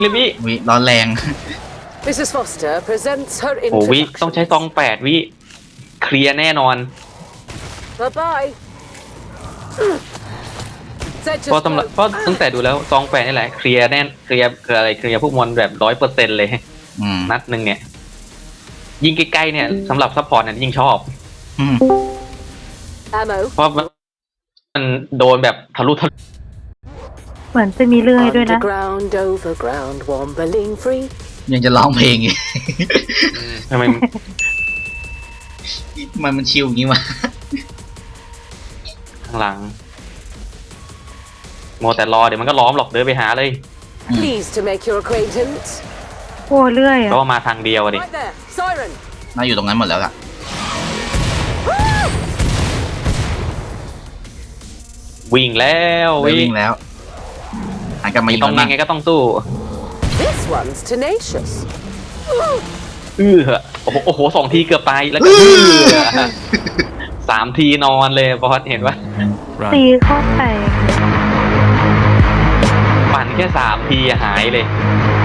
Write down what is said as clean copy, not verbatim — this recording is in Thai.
เรียบวิวิร้อนแรง Mrs. Foster presents her โอ้วิต้อง introduction. ใช้ซอง8 วิเคลียร์แน่นอน Bye bye. เพราะตั้งแต่ดูแล้วซอง8นี่แหละเคลียร์แน่นเคลียร์คืออะไรเคลียร์พวกมอนแบบ100%เลยอืมนัดหนึ่งเนี่ย ยิงใกล้ๆเนี่ยสำหรับซัพพอร์ตเนี่ยยิ่งชอบอืม Ammo. เพราะมันโดนแบบทะลุเหมือนจะมีเรื่อยด้วยนะ Underground, overground, wombling free. ยังจะร้องเพลงอีกทำไมมันชิลอย่างงี้วะข้างหลังโมแต่รอเดี๋ยวมันก็ล้อมหรอกเดินไปหาเลย Pleased to make your acquaintance. โอ้เรื่อยอ่ะก็มาทางเดียวดิ Right there. Siren. น่าอยู่ตรงนั้นหมดแล้วล่ะวิ่งแล้ววิ่งแล้วหันกลับมายิงต้องมัยังไงก็ต้องสู้ This one's tenacious. โอ้โห2 ทีเกือบตายแล้วก็3 ทีนอนเลยบอสเห็นปะตีเข้าไปปั่นแค่3 ทีหายเลย